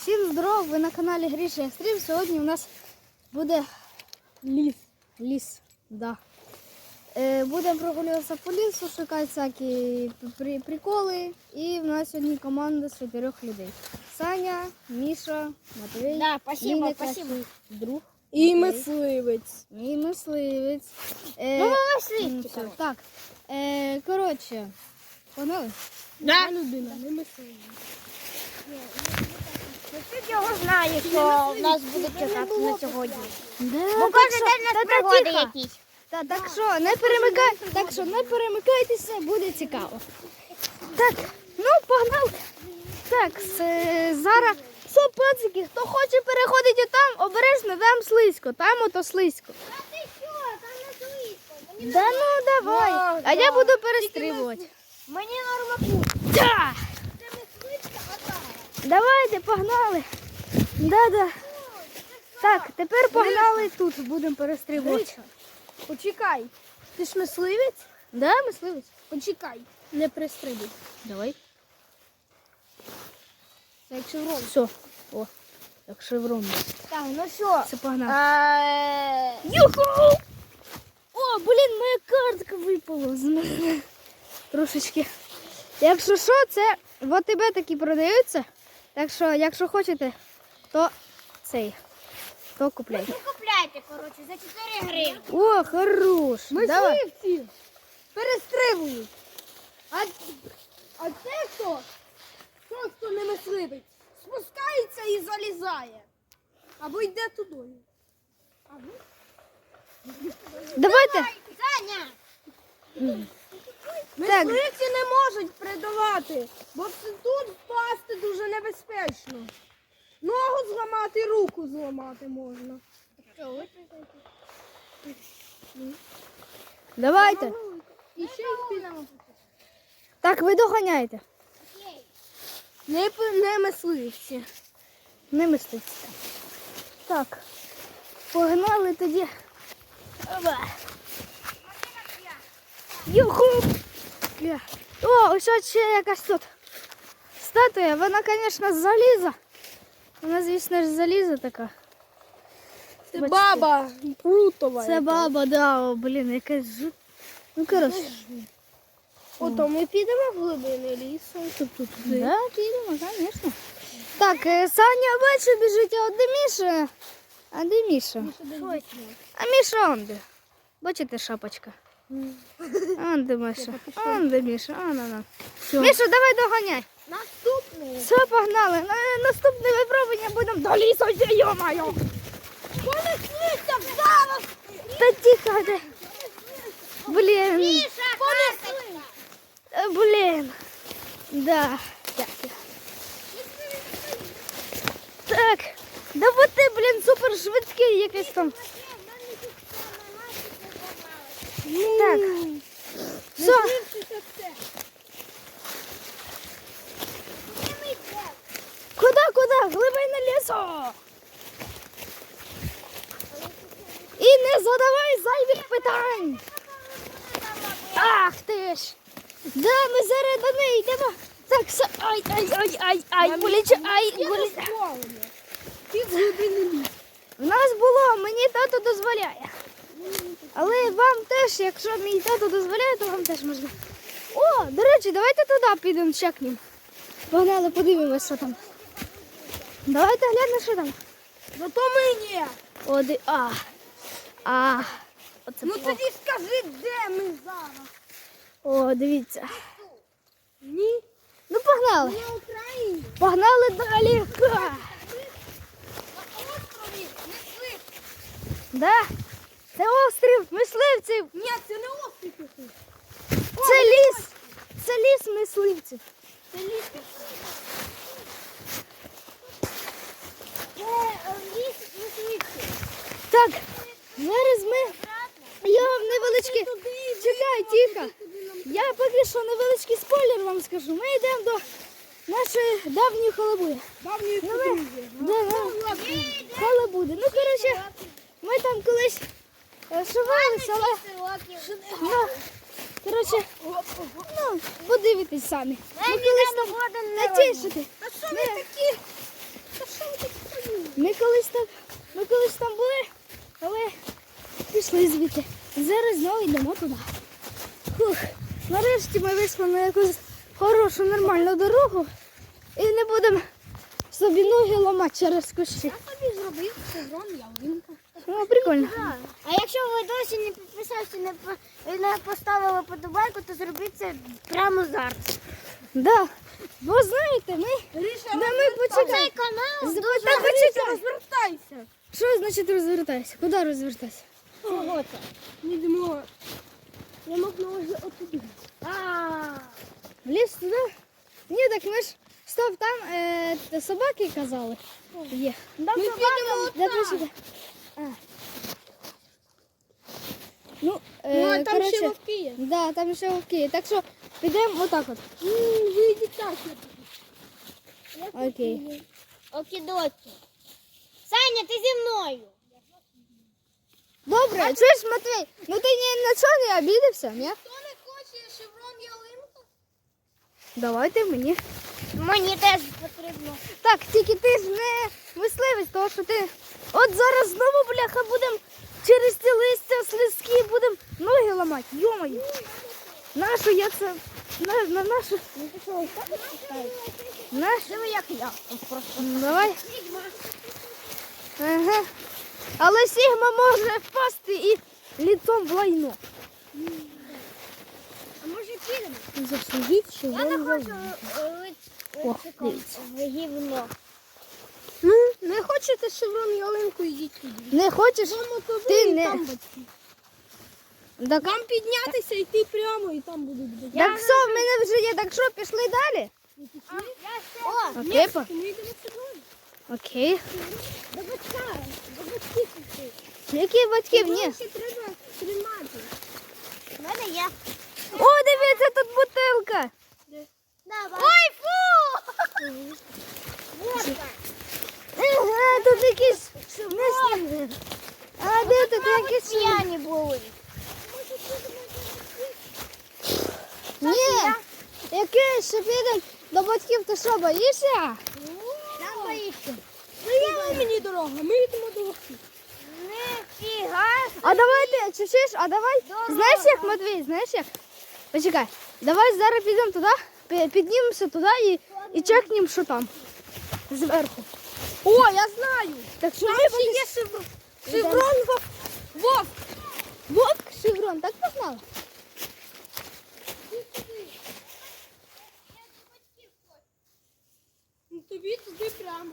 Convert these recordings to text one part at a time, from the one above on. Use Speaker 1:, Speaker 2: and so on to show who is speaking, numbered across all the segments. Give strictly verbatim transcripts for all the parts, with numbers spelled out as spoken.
Speaker 1: Всім здоров, ви на каналі Гріша Екстрим. Сьогодні у нас буде ліс. Ліс, да. Е, будемо прогулюватися по лісу, шукати всякі при приколи. І в нас сьогодні команда з чотирьох людей. Саня, Міша, Матвій,
Speaker 2: да, спасибо,
Speaker 1: Ліна,
Speaker 2: спасибо.
Speaker 1: друг.
Speaker 3: І мисливець.
Speaker 1: І мисливець. Е,
Speaker 2: Ну, мисливці,
Speaker 1: все. Так, е, коротше, погнали?
Speaker 2: Да.
Speaker 3: Я людина, не мисливець.
Speaker 2: Ти його знає, що в нас буде чекати на сьогодні.
Speaker 1: Да,
Speaker 2: Бо
Speaker 1: так
Speaker 2: кожен
Speaker 1: що-
Speaker 2: день у
Speaker 1: та-
Speaker 2: нас
Speaker 1: та
Speaker 2: пригоди
Speaker 1: тихо.
Speaker 2: якісь.
Speaker 1: Та, так що не перемикай, так що не перемикайтеся, буде цікаво. Так, ну погнали. Так, с- зараз все, пацики, хто хоче переходити там, обережно, там слизько, там ото слизько.
Speaker 2: А ти що? Там не слизько.
Speaker 1: Да ну давай.
Speaker 3: Да,
Speaker 1: А я
Speaker 3: да.
Speaker 1: буду перестрибувати.
Speaker 2: Мені нормально.
Speaker 1: Да.
Speaker 2: Це мисливська атара.
Speaker 1: Давайте, погнали. Да-да. Так, тепер погнали тут, будемо перестрибувати.
Speaker 3: Почекай. Ти ж мисливець?
Speaker 1: Да, мисливець?
Speaker 3: Почекай. Не пристрибуй.
Speaker 1: Давай.
Speaker 3: Це як шеврон.
Speaker 1: Все. О, як шеврон.
Speaker 2: Так, ну що?
Speaker 1: Це погнали.
Speaker 2: Е,
Speaker 1: Юху! О, блін, моя картка випала з мене. Трошечки. Якщо що, це в АТБ такі продаються. Так що, якщо хочете, то цей. То купляйте.
Speaker 2: Ви купляйте, коротше, за чотири гривні.
Speaker 1: О, хорош. Давай.
Speaker 3: Мисливці перестрибують. А, а це хто? Хто, хто не мисливець? Спускається і залізає. Або йде туди. Або...
Speaker 1: Давайте.
Speaker 2: Саня!
Speaker 3: Мисливці не можуть придавати, бо це тут впасти дуже небезпечно. Ногу зламати, руку зламати можна.
Speaker 1: Давайте.
Speaker 3: І ще й підемо.
Speaker 1: Так, ви доганяйте.
Speaker 3: Не, п- не мисливці.
Speaker 1: Не миститься. Так. Погнали тоді. Оба. Юху! Я. О, ось от ще якась тут статуя. Вона, звісно, з заліза. Вона, звісно ж, з заліза така.
Speaker 3: Це
Speaker 1: Бачите.
Speaker 3: баба Прутова.
Speaker 1: Це баба, да, о, блін, якась жу. Ну, коротше.
Speaker 3: Ото ми підемо в глибини лісу. Тут, тут, туди.
Speaker 1: Да, підемо, звісно. Так, е, Саня, бачу, біжить, а от де Міша? А де Міша? А Міша он де. Бачите, шапочка? Он де Міша. Он де Міша. А, на, на. Міша, давай доганяй.
Speaker 3: Наступний.
Speaker 1: Все, погнали. На наступне випробування будемо до лісу, йо-моє.
Speaker 3: Понеслися зараз.
Speaker 1: Та тихо ти. Блін.
Speaker 2: Міша, карточка.
Speaker 1: Е, Блін. Да. Дякую. Так. Да бо ти, блін, супер швидкий якийсь там. Так. Все. Куди, куди? Глибина лісу. І не задавай зайвих питань. Ах ти ж. Да, ми зараз до неї йдемо. Так, все. Ай, ай, ай, ай, ай, боляче, ай, боляче.
Speaker 3: Пів глибини лісу.
Speaker 1: В нас було, мені тато дозволяє. Але вам теж, якщо мій тато дозволяє, то вам теж можна. О, до речі, давайте туди підемо, чекнемо. Погнали, подивимось, що там. Давайте глянемо, що там.
Speaker 3: Зато ми ні.
Speaker 1: О, ди... А. А. Оце
Speaker 3: Ну
Speaker 1: плохо.
Speaker 3: тоді скажи, де ми зараз?
Speaker 1: О, дивіться.
Speaker 3: Ні.
Speaker 1: Ну, погнали.
Speaker 3: На Україні.
Speaker 1: Погнали далі. Ха.
Speaker 3: На острові мисливці.
Speaker 1: Да? Це острів мисливців.
Speaker 3: Ні, це не острів якийсь.
Speaker 1: Це ліс. Це ліс мисливців.
Speaker 3: Це ліс.
Speaker 2: Це е, ліс мисливці.
Speaker 1: Так, зараз ми. Я вам невеличкий. Чекай, тихо. Я поки що невеличкий спойлер вам скажу. Ми йдемо до нашої давньої халабуди.
Speaker 3: Давньої
Speaker 1: Ну, ми...
Speaker 3: подружжя.
Speaker 1: Да, да. Халабуди. Ну, коротше, ми там колись е, шивалися, але... Ну, коротше, ну, подивитесь самі. Ми колись там... Та тише ти.
Speaker 3: А що ви такі? Та що
Speaker 1: Ми колись там, ми колись там були, але пішли звідти. Зараз знову йдемо туди. Фух. Нарешті ми вийшли на якусь хорошу, нормальну дорогу і не будемо собі ноги ламати через кущі.
Speaker 2: Я собі зробив шеврон ялинка.
Speaker 1: Ну, прикольно.
Speaker 2: А якщо ви досі не підписалися, не, по- не поставили подобайку, то зробіть це прямо зараз.
Speaker 1: Да. Бо знаєте, ми, да, ми
Speaker 2: Цей
Speaker 1: почекай.
Speaker 2: канал
Speaker 1: З-
Speaker 2: дуже
Speaker 1: та почекай.
Speaker 3: Розвертайся.
Speaker 1: Що значить розвертайся? Куди розвертайся?
Speaker 2: чого це?
Speaker 3: Не йдемо. Я можна вже отуди.
Speaker 2: А,
Speaker 1: В ліс туди? Ні, так ми ж стоп, там е, т- собаки казали. Є.
Speaker 2: Там
Speaker 3: Ми
Speaker 2: собака.
Speaker 3: підемо
Speaker 1: Да, почекай. А. Ну, е,
Speaker 3: Ну, а там
Speaker 1: коротше,
Speaker 3: ще вовки є.
Speaker 1: да, там ще вовки є. Так що підемо отак от.
Speaker 3: Ви йдіть так.
Speaker 1: Окей.
Speaker 2: Окідокі. Саня, ти зі мною.
Speaker 1: Добре, чуєш, Матвій, ну ти ні на чого не обідався, ні?
Speaker 3: Хто не хоче шеврон ялинку?
Speaker 1: Давайте мені.
Speaker 2: Мені теж потрібно.
Speaker 1: Так, тільки ти ж не мисливець, тому що ти. От зараз знову, бляха, будемо через ці листя слизькі будемо ноги ламати. Йомаю. Нашу я це. На, на нашу.
Speaker 2: Ну ти що, ось так відпускаєш?
Speaker 1: Наш.
Speaker 2: Диви, як я. Ось просто.
Speaker 1: Ну, давай. Ага. Але Сігма може впасти і ліцом в лайно.
Speaker 2: А може підемо?
Speaker 1: Заслужіть, що
Speaker 2: Я не
Speaker 1: вам
Speaker 2: хочу
Speaker 1: завжди.
Speaker 2: е,
Speaker 1: О,
Speaker 2: личиком
Speaker 1: дивіться.
Speaker 2: в гівно.
Speaker 3: Ну, не хочете шеврон ялинку, йдіть туди.
Speaker 1: Не хочеш? Ти не.
Speaker 3: Там батьки.
Speaker 1: Так,
Speaker 3: Вам піднятися, йти прямо і там будуть батьки.
Speaker 1: так все, в мене вже є. Так що, пішли далі?
Speaker 2: О,
Speaker 1: Окей, па.
Speaker 3: Ми йдемо шеврон.
Speaker 1: Окей.
Speaker 2: до батька. До батьків пішли.
Speaker 1: Які батьків? Ні.
Speaker 3: Ще треба тримати.
Speaker 2: У мене є.
Speaker 1: О, дивіться, тут бутилка.
Speaker 2: Давай. Ой, фу! Водка.
Speaker 1: Ага, тут якісь. Не... А де тут якісь?
Speaker 2: П'яні були.
Speaker 1: Ні. Яке ще підемо до батьків, ти що, боїшся?
Speaker 2: Там боїшся.
Speaker 3: Прямо мені дорога, ми йдемо до вовків.
Speaker 2: Нифіга.
Speaker 1: А давайте, чуєш, а давай, знаєш як, Матвій, знаєш як? Почекай, давай зараз підемо туди, пі- піднімемося туди і, і чекнемо, що там, зверху.
Speaker 3: О, я знаю.
Speaker 1: Так що
Speaker 3: Там
Speaker 1: ми
Speaker 3: ще є шеврон. Шеврон вовк. Вовк.
Speaker 1: Вовк, шеврон, так познала?
Speaker 3: Ну, тобі туди прямо.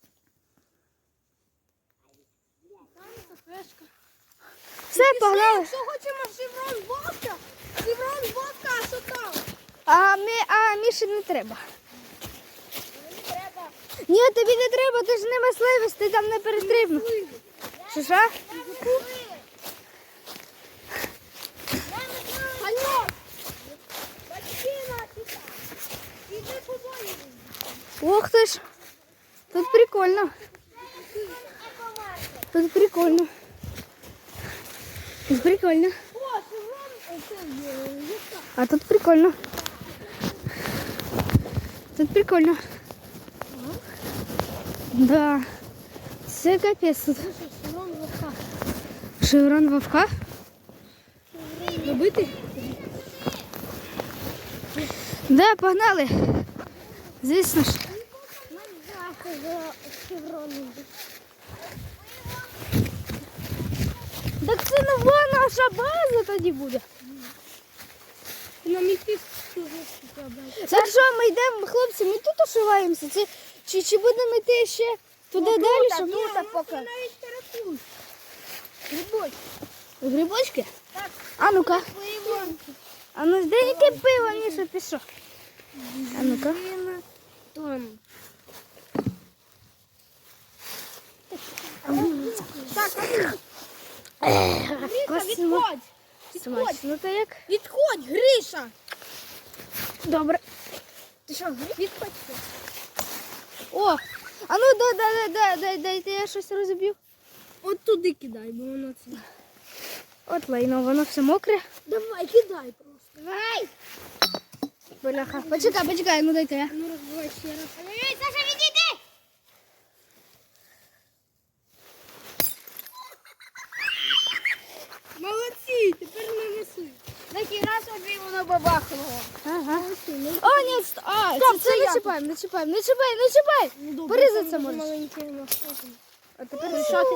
Speaker 3: Там кафешка.
Speaker 1: Все, погнали.
Speaker 3: Якщо хочемо шеврон вовка, шеврон вовка, а що там?
Speaker 1: А, ми, а Міші не треба.
Speaker 2: Треба.
Speaker 1: Ні, тобі не треба, ти ж не мисливець, ти там не перестрибнув. Що, що?
Speaker 3: Алло! Батьки наші там. Іди побої.
Speaker 1: Ох ти ж, тут прикольно. Тут прикольно. Тут прикольно.
Speaker 3: О, шеврон, це є.
Speaker 1: А тут прикольно. Тут прикольно. Да. Все капець тут.
Speaker 3: Шеврон вовка.
Speaker 1: Шеврон вовка.
Speaker 3: Робити?
Speaker 1: Да, погнали. Звісно ж. Так це нова наша база тоді буде.
Speaker 3: Нам йти
Speaker 1: Так що ми йдемо, хлопці, ми тут ошиваємося. Це, чи, чи будемо йти ще туди далі? Щоб...
Speaker 2: тут поки.
Speaker 3: навіть терапевт.
Speaker 1: Грибочки. Грибочки? Так. А ну-ка.
Speaker 2: Лимонки.
Speaker 1: А ну де яке пиво, Міша, пішов? А ну-ка.
Speaker 2: Там.
Speaker 3: Так, Гриша,
Speaker 1: Космо.
Speaker 3: відходь. Відходь.
Speaker 1: Смачно то як?
Speaker 3: Відходь, Гриша.
Speaker 1: Добре.
Speaker 3: Ти що, відходь?
Speaker 1: О, а ну дай, дай, дай, дай, дайте я щось розбив.
Speaker 3: От туди кидай, бо воно це.
Speaker 1: От лайно, воно все мокре.
Speaker 3: Давай, кидай просто.
Speaker 2: Давай.
Speaker 1: Бляха. Почекай, почекай, ну дайте я.
Speaker 3: Ну розбивай ще раз.
Speaker 2: Ой, Саша, відійди.
Speaker 3: бабахного.
Speaker 1: Ага. О, ні, ст- а,
Speaker 3: Стоп,
Speaker 1: це,
Speaker 3: це
Speaker 1: це не
Speaker 3: я.
Speaker 1: чіпаємо, не чіпаємо, не чіпай, не чіпай. Порізатися можеш.
Speaker 3: Маленький у нас.
Speaker 1: А тепер рішати.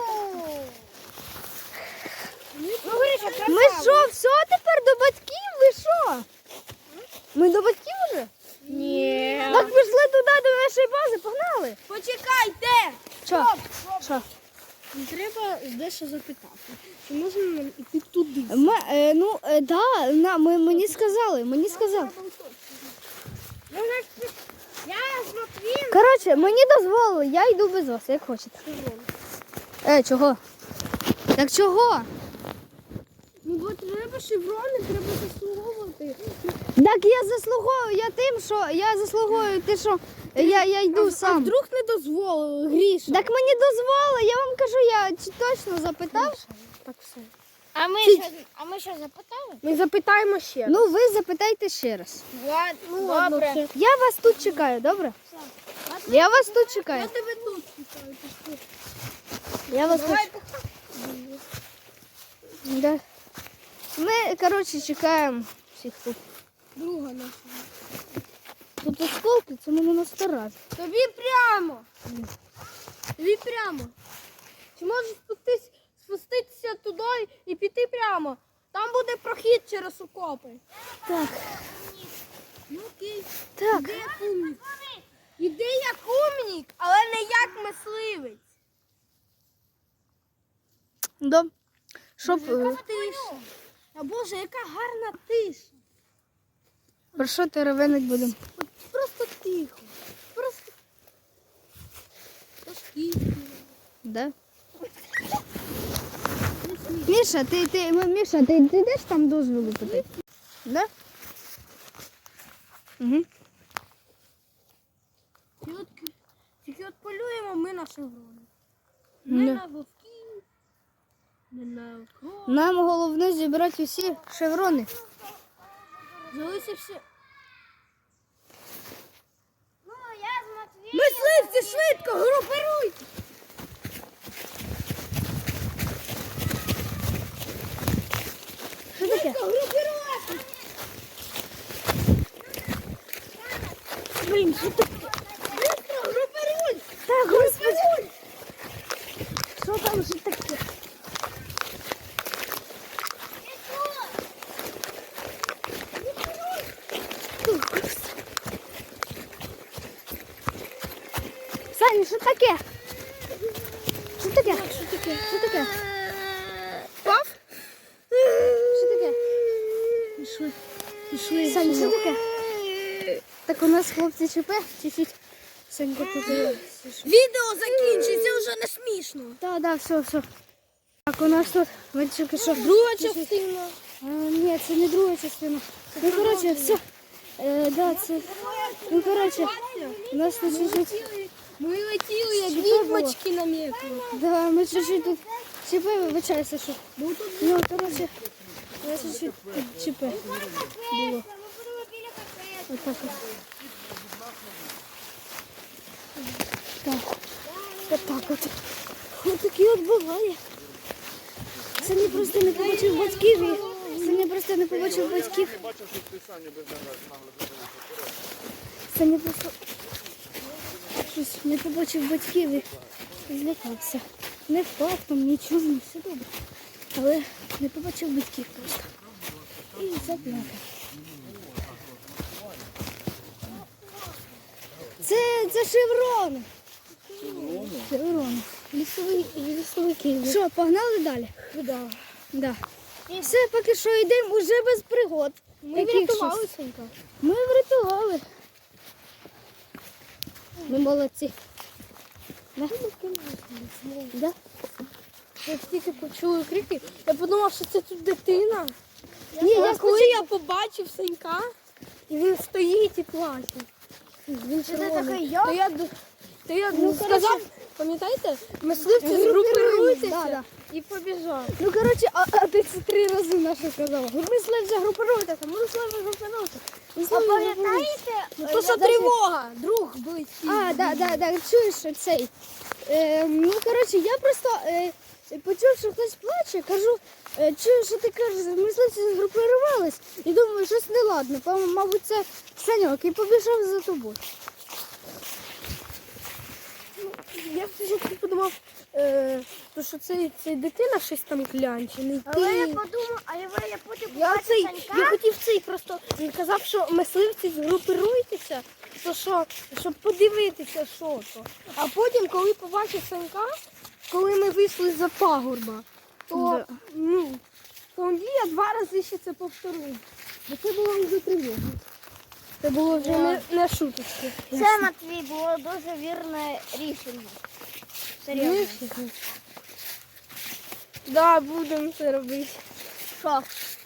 Speaker 3: Ну, Гриша, красава.
Speaker 1: Ми що, все тепер до батьків? Ви що? Ми до батьків вже?
Speaker 3: Ні.
Speaker 1: Так пішли туди, до нашої бази, погнали.
Speaker 3: Почекайте.
Speaker 1: Що? Що?
Speaker 3: Треба дещо запитати. Чи можна нам іти туди?
Speaker 1: Ми, е, ну, е, да, на, ми, мені сказали, мені сказали.
Speaker 3: Ну, значить, я з Матвієм.
Speaker 1: Коротше, мені дозволили, я йду без вас, як хочете. Е, чого? Так чого?
Speaker 3: Ну, бо треба шеврони, треба заслуговувати.
Speaker 1: Так я заслуговую, я тим, що я заслуговую, ти що я, я йду
Speaker 3: А
Speaker 1: сам.
Speaker 3: вдруг не дозволили, Гріша?
Speaker 1: Так мені дозволили, я вам кажу, я чи точно запитав.
Speaker 3: Так все.
Speaker 2: А ми що, а ми що запитали?
Speaker 3: Ми запитаємо ще.
Speaker 1: Ну ви запитайте ще раз.
Speaker 3: ну ладно,
Speaker 2: добре.
Speaker 3: все.
Speaker 1: Я вас тут чекаю, добре? Я вас тут чекаю.
Speaker 3: Я тебе тут чекаю.
Speaker 1: Я вас тут.
Speaker 3: Давай,
Speaker 1: Да. Ми, коротше, чекаємо всіх тут.
Speaker 3: друга наша.
Speaker 1: Тут осколки, це мене настарать.
Speaker 3: Тобі прямо. Тобі прямо. Чи можеш спуститися, спуститися туди і піти прямо? Там буде прохід через окопи.
Speaker 1: Так,
Speaker 3: Ну окей.
Speaker 1: так.
Speaker 3: Іди як умник. Іди як умник, але не як мисливець.
Speaker 1: Да. Щоб,
Speaker 3: Яка
Speaker 1: е,
Speaker 3: тиша. А Боже, яка гарна тиша.
Speaker 1: про що ти ревенить будемо?
Speaker 3: От просто тихо. Просто. Тихо.
Speaker 1: Да? Міша, ти, ти, М- Міша, ти, ти йдеш там дозволу питати? Да? Угу.
Speaker 3: Тільки от, тільки от полюємо ми на шеврони. Не
Speaker 1: Не.
Speaker 3: на вовків, не на кров.
Speaker 1: Нам головне зібрати усі шеврони.
Speaker 3: Залишився все.
Speaker 2: Ну, я з Матвієм.
Speaker 3: Мисливці, швидко, групируйте!
Speaker 1: Що таке?
Speaker 3: Групируйте! Блін, що таке? Швидко, групируй!
Speaker 1: Так, господи. Що там вже таке? Саня, що таке? Що таке? Що таке? Що таке?
Speaker 3: Пав?
Speaker 1: Що таке?
Speaker 3: Пішли. Пішли.
Speaker 1: Саня, що таке? Так у нас хлопці ЧП, чуть-чуть. Санька тут.
Speaker 3: Відео закінчиться, вже не смішно.
Speaker 1: Так, так, все, все. Так, у нас тут, ви тільки що.
Speaker 3: Друга частина.
Speaker 1: А, ні, це не друга частина. Ну, коротше, все. Е, да, це. Ну, коротше, у нас тут чуть-чуть.
Speaker 3: Ми летіли, як
Speaker 1: Що це
Speaker 3: відьмочки на м'яку.
Speaker 1: Да, ми чуть-чуть тут ЧП, вибачайся, що. Ну, коротше, у нас чуть-чуть тут ЧП було.
Speaker 2: Ми будемо біля кафе.
Speaker 1: Отак от. Так. Отак от. Ось такі от буває. Саня просто не побачив батьків і Саня просто не побачив батьків. Саня просто щось не побачив батьків і злякався. Не впав там, нічого, не все добре. Але не побачив батьків просто. І заплакав. Це, це шеврон. Шеврон. Лісовий, лісовики. Що, погнали далі?
Speaker 3: Да.
Speaker 1: Да. Все, поки що йдемо уже без пригод.
Speaker 3: Ми
Speaker 1: Яких
Speaker 3: врятували
Speaker 1: щось?
Speaker 3: Сонька.
Speaker 1: Ми врятували. Ми молодці. Да? Да?
Speaker 3: Я тільки почула крики, я подумав, що це тут дитина.
Speaker 1: Ні, я
Speaker 3: коли я побачив Санька, і він стоїть і плаче. Він червоний. То я, д- то я
Speaker 1: Ну,
Speaker 3: сказав,
Speaker 1: коротше,
Speaker 3: пам'ятаєте, мисливці
Speaker 1: Групируйтесь,
Speaker 3: згрупируйтеся
Speaker 1: да, да.
Speaker 3: і побіжав.
Speaker 1: Ну, коротше, а, а ти це три рази наше казала. Мисливця групируйтеся, мисливця групируйтеся. Мисливця групируйтеся.
Speaker 2: Пам'ятаєте?
Speaker 3: Ну то що тривога, друг близький.
Speaker 1: А, да, да, да, чуєш цей. Е, ну, коротше, я просто, е, і почув, що хтось плаче, кажу, е, чую, що ти кажеш, мисливці згрупувались, і думаю, щось неладне. Пам- Мабуть, це Саньок, і побіжав за тобою.
Speaker 3: Я спочатку подумав, е, то, що цей, цей дитина щось там клянчений.
Speaker 2: Але я
Speaker 3: Ти...
Speaker 2: подумав, а я, я потім
Speaker 3: Я,
Speaker 2: побачив
Speaker 3: цей,
Speaker 2: Санька.
Speaker 3: я хотів цей просто, він казав, що мисливці згрупируйтеся, то що, щоб подивитися, що то. А потім, коли побачив Санька, коли ми вийшли за пагорба, то,
Speaker 1: Да.
Speaker 3: ну, тоді я два рази ще це повторив. Бо це було вже тривога. Це було вже не, не шуточки.
Speaker 2: Це, Матвій, було дуже вірне рішення. Серйозно.
Speaker 3: Так, да, будемо це робити.
Speaker 2: Що?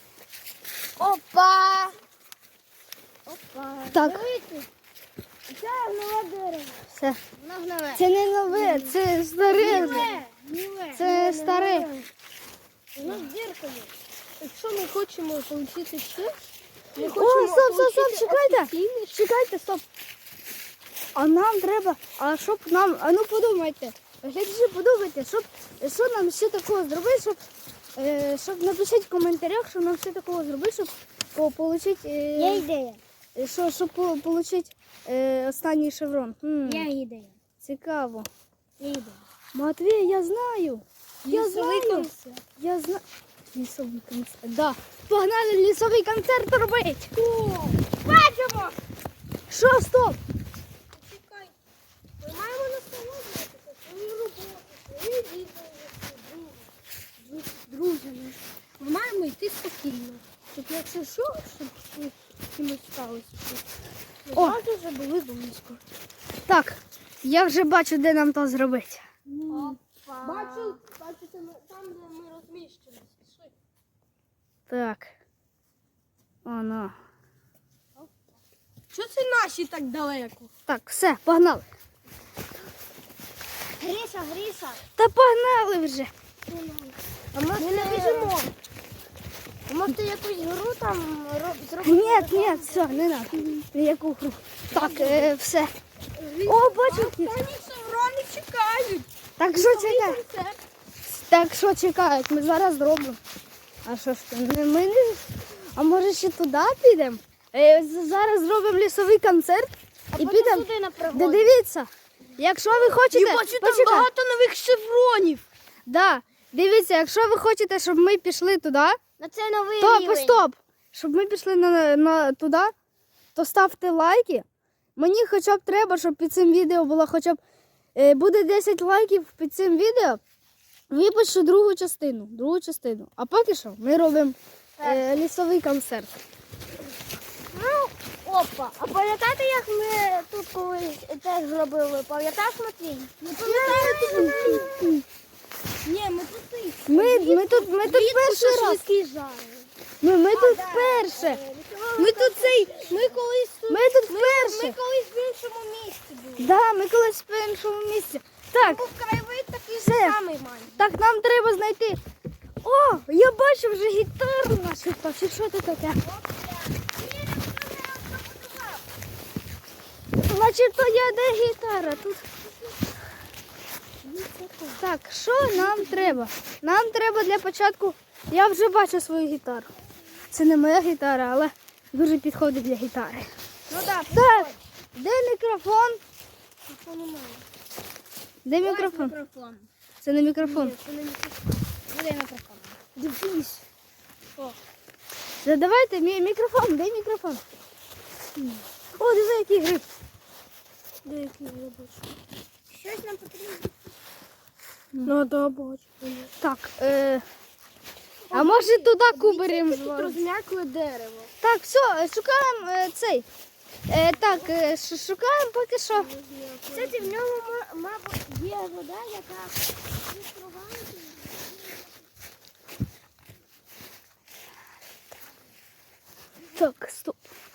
Speaker 2: Опа! Опа.
Speaker 1: Так.
Speaker 2: Дивіться. Це нове дерево.
Speaker 1: Все.
Speaker 2: Воно гниле.
Speaker 1: Це не нове, це старе.
Speaker 2: Гниле. Гниле.
Speaker 1: Це старе.
Speaker 2: Воно з діркою.
Speaker 3: Якщо ми хочемо отримати ще, ми
Speaker 1: О,
Speaker 3: хочемо
Speaker 1: стоп, стоп, стоп,
Speaker 3: отримати
Speaker 1: чекайте.
Speaker 3: офіційний
Speaker 1: Чекайте, стоп. А нам треба, а щоб нам, а ну подумайте, глядачі, подумайте, щоб, що нам ще такого зробити, щоб, е, щоб напишіть в коментарях, що нам ще такого зробити, щоб по, получить,
Speaker 2: Є
Speaker 1: е,
Speaker 2: ідея.
Speaker 1: що, щоб по, получить е, останній шеврон. Хм,
Speaker 2: Є ідея.
Speaker 1: цікаво.
Speaker 2: Є ідея.
Speaker 1: Матвій, я знаю. Я
Speaker 3: лісовий
Speaker 1: знаю.
Speaker 3: концерт.
Speaker 1: Я знаю. Лісовий концерт. Да. Погнали лісовий концерт робити.
Speaker 3: Бачимо!
Speaker 1: Що, стоп?
Speaker 3: Чекай, ми маємо насолоджуватися свою роботу, свою відео, з друзями. Ми маємо йти спокійно. Щоб якщо що, щоб з кимось сталося. Ми
Speaker 1: О!
Speaker 3: завжди вже були близько.
Speaker 1: Так, я вже бачу, де нам то зробити.
Speaker 3: Бачу, бачите, ми- там, де ми розміщені. Пішли.
Speaker 1: Так. Оно.
Speaker 3: Що це наші так далеко?
Speaker 1: Так, все, погнали.
Speaker 2: Гріша, Гріша.
Speaker 1: Та погнали вже.
Speaker 2: А може
Speaker 3: Ми не біжимо.
Speaker 2: А може ти якусь гру там ро- зробити?
Speaker 1: Ні, ні, все, не надо. Ніяку гру. Так, е, все. О, бачу. кіт.
Speaker 3: Останні шеврони чекають.
Speaker 1: Так, що чекають?
Speaker 3: Концерт.
Speaker 1: Так, що чекають? Ми зараз зробимо. А що ж ти? Не, ми не... А може ще туди підемо? Е, з- зараз зробимо лісовий концерт і підемо.
Speaker 2: Туди на
Speaker 1: Де
Speaker 2: пригоду.
Speaker 1: дивіться, якщо ви хочете,
Speaker 3: Я бачу там
Speaker 1: почекай.
Speaker 3: багато нових шевронів.
Speaker 1: Да, дивіться, якщо ви хочете, щоб ми пішли туди,
Speaker 2: На це новий
Speaker 1: то
Speaker 2: рівень.
Speaker 1: стоп, щоб ми пішли на, на туди, то ставте лайки. Мені хоча б треба, щоб під цим відео було хоча б е, буде десять лайків під цим відео. Випущу другу частину. Другу частину. А поки що ми робимо е, лісовий концерт.
Speaker 2: Ну, опа. А пам'ятаєте, як ми тут колись теж зробили? Пам'ятаєш, Матвій?
Speaker 3: Не пам'ятаю. Ні, ми тут і
Speaker 1: Ми, ми тут, ми тут перший раз.
Speaker 3: шашлики жарили.
Speaker 1: Ми, ми тут вперше.
Speaker 3: Ми тут цей, ми колись тут,
Speaker 1: Ми тут
Speaker 3: ми
Speaker 1: вперше.
Speaker 3: колись в іншому місці були.
Speaker 1: Да, ми колись в іншому місці. Так,
Speaker 3: Був краєвид такий
Speaker 1: Все.
Speaker 3: же самий майже.
Speaker 1: так, нам треба знайти. О, я бачу вже гітару нашу. Чи що це таке? Значить, то я де гітара? Тут. Так, що нам треба? Нам треба для початку. Я вже бачу свою гітару. Це не моя гітара, але дуже підходить для гітари.
Speaker 2: Ну так.
Speaker 1: Так, де мікрофон?
Speaker 3: немає.
Speaker 1: Де мікрофон?
Speaker 2: Мікрофон.
Speaker 1: Це не мікрофон.
Speaker 2: Буде мікрофон.
Speaker 1: Дивись. Да давайте мі- мікрофон, де мікрофон? О, диви, який гриб.
Speaker 3: Деякі я бачу.
Speaker 2: Щось нам потрібно.
Speaker 3: Ну, да, бачу.
Speaker 1: Так, е, а може туди кубарем
Speaker 3: Тут
Speaker 1: звалити?
Speaker 3: розм'якле дерево.
Speaker 1: Так, все, шукаємо е, цей. Е, так, е, ш- шукаємо поки що.
Speaker 2: Кстати, в ньому, ма- мабуть, є вода, яка відкривається.
Speaker 1: Так, стоп.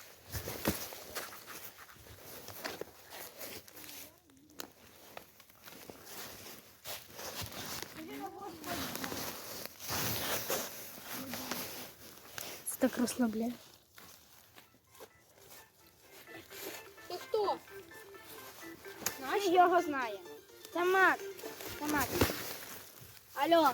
Speaker 1: Це так розслабляє.
Speaker 3: Ти хто?
Speaker 2: Наш його знає. Це мат. Це мат. А Алло.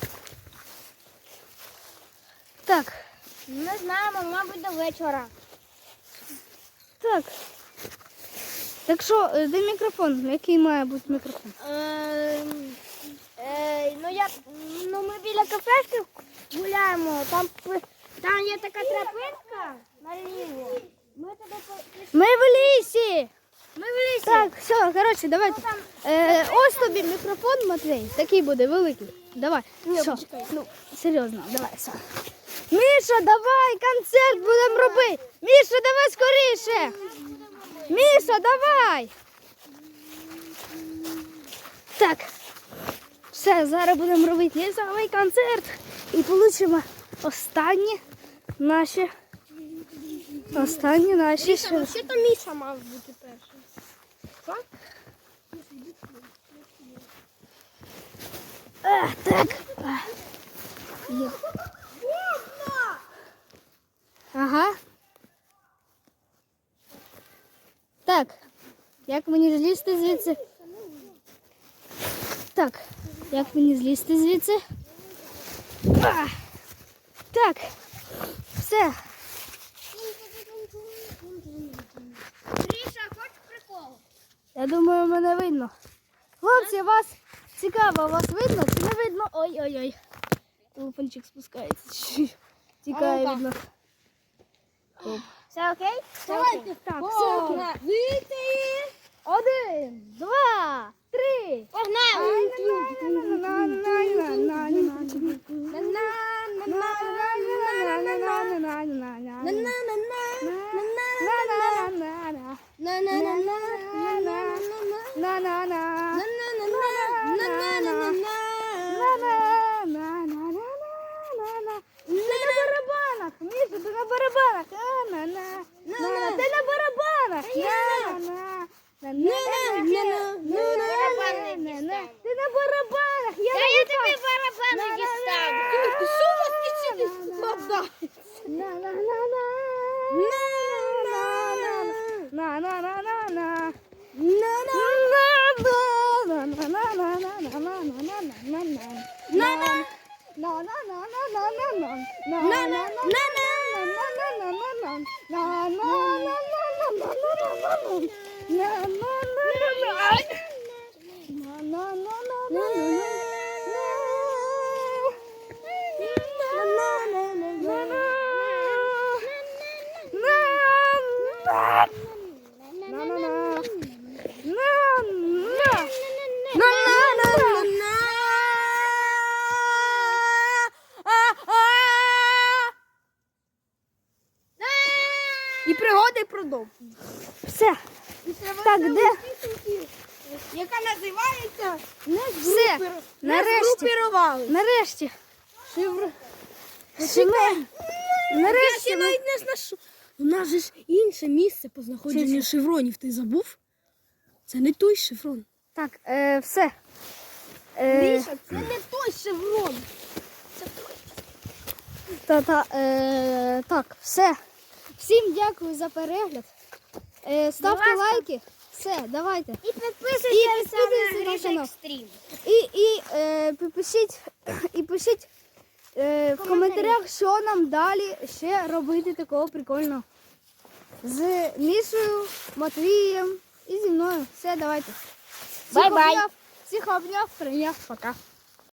Speaker 1: Так,
Speaker 2: Не знаємо, мабуть, до вечора.
Speaker 1: так. Так що, е, де мікрофон? Який має бути мікрофон?
Speaker 2: Ем, е, ну, я, ну, ми біля кафешки гуляємо, там, п- там є така тропинка наліво. Ми туди пішли.
Speaker 1: Ми в лісі!
Speaker 2: Ми в лісі.
Speaker 1: Так, все, коротше, давайте. Е, ось тобі мікрофон, Матвій, такий буде великий. Давай. Що? Ну, серйозно, давай. Все. Міша, давай, концерт будемо робити. Міша, давай скоріше. Міша, давай. Так. Все, зараз будемо робити лісовий концерт і получимо останні наші. Останні наші.
Speaker 3: Міша, ну ще то Міша мав бути першим.
Speaker 1: А, так. А. Є. Ага. Так. Як мені злізти звідси? Так. Як мені злізти звідси? А. Так. Все.
Speaker 2: Гріша, хочеш прикол?
Speaker 1: Я думаю, мене видно. Хлопці, вас цікаво, вас видно чи не видно? Ой-ой-ой. Телефончик спускається. чуть-чуть. Тікає від нас. Оп.
Speaker 2: Все окей?
Speaker 3: Давайте.
Speaker 1: Так, все окей.
Speaker 3: Вийти.
Speaker 1: Один, два, три.
Speaker 2: Погнали!
Speaker 1: Міша, ти на барабанах. Ти на барабанах. Ти на барабанах. Я
Speaker 2: Та я тобі барабани дістану.
Speaker 3: Ти що у вас кичити? Вода. І пригоди продовжують.
Speaker 1: Все. Так, де?
Speaker 3: Яка називається
Speaker 1: Все. Нарешті.
Speaker 3: Згрупірували.
Speaker 1: Нарешті.
Speaker 3: Шевр...
Speaker 1: Що ми-
Speaker 3: Я
Speaker 1: Нарешті.
Speaker 3: ще
Speaker 1: ми-
Speaker 3: навіть не знайшов. У нас же ж інше місце по знаходженню шевронів. Ти забув? Це не той шеврон.
Speaker 1: Так, е, все. Е,
Speaker 3: Міша, це не той шеврон.
Speaker 1: та, та, е, так, все. Всім дякую за перегляд. Е, ставте
Speaker 2: Будь ласка.
Speaker 1: лайки. Все, давайте.
Speaker 2: І підписуйтесь
Speaker 1: І підписуйтесь
Speaker 2: на
Speaker 1: на
Speaker 2: Гріша
Speaker 1: канал.
Speaker 2: Екстрім.
Speaker 1: І, і е, пишіть, і пишіть е, в коментарях, що нам далі ще робити такого прикольного. З Мішою, Матвієм і зі мною. Все, давайте. Всіх
Speaker 2: Бай-бай.
Speaker 1: обняв, всіх обняв, прийняв, пока.